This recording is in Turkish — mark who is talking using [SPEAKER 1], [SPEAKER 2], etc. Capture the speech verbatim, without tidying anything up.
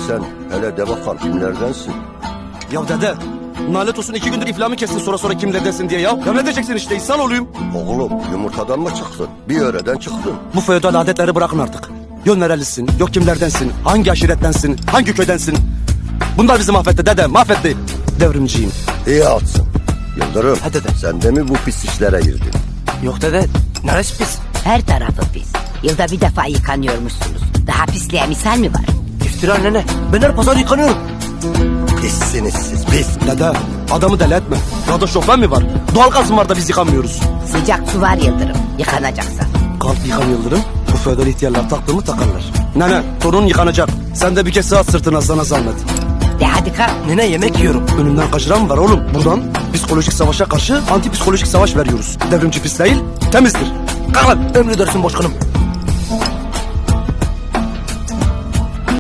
[SPEAKER 1] sen hele de bakalım kimlerdensin?
[SPEAKER 2] Ya dede, nalet olsun iki gündür iflahımı kestin sonra sonra kimlerdensin diye ya. Ya ne diyeceksin işte, insan olayım.
[SPEAKER 1] Oğlum yumurtadan mı çıktın? Bir yöreden çıktın.
[SPEAKER 2] Bu feodal adetleri bırakın artık. Yok nerelisin, yok kimlerdensin, hangi aşirettensin, hangi köydensin. Bunlar bizi mahvetti dede, mahvetti. Devrimciyim.
[SPEAKER 1] İyi atsın. Yıldırım,
[SPEAKER 2] Ha dede.
[SPEAKER 1] sen de mi bu pis işlere girdin?
[SPEAKER 2] Yok dede, neresi pis?
[SPEAKER 3] Her tarafı pis. Yılda bir defa yıkanıyormuşsunuz. Daha pisliğe misal mi var?
[SPEAKER 2] İftira nene, ben her pazar yıkanıyorum.
[SPEAKER 1] Pissiniz siz, pis.
[SPEAKER 2] Dede, adamı deli etme. Yolda şoför mi var? Doğalgaz mı var da biz yıkamıyoruz?
[SPEAKER 3] Sıcak su var Yıldırım. Yıkanacaksan.
[SPEAKER 2] Kalk yıkan Yıldırım. Bu feodal ihtiyarlar taktığımı takarlar. Nene, torun yıkanacak. Sen de bir kez sığat sırtına, sana zahmet.
[SPEAKER 3] De hadi kalk.
[SPEAKER 2] Nene yemek yiyorum. Önümden kaçıran mı var oğlum? Buradan psikolojik savaşa karşı anti psikolojik savaş veriyoruz. Devrimci pis değil, temizdir. Kalkın. Emredersin başkanım.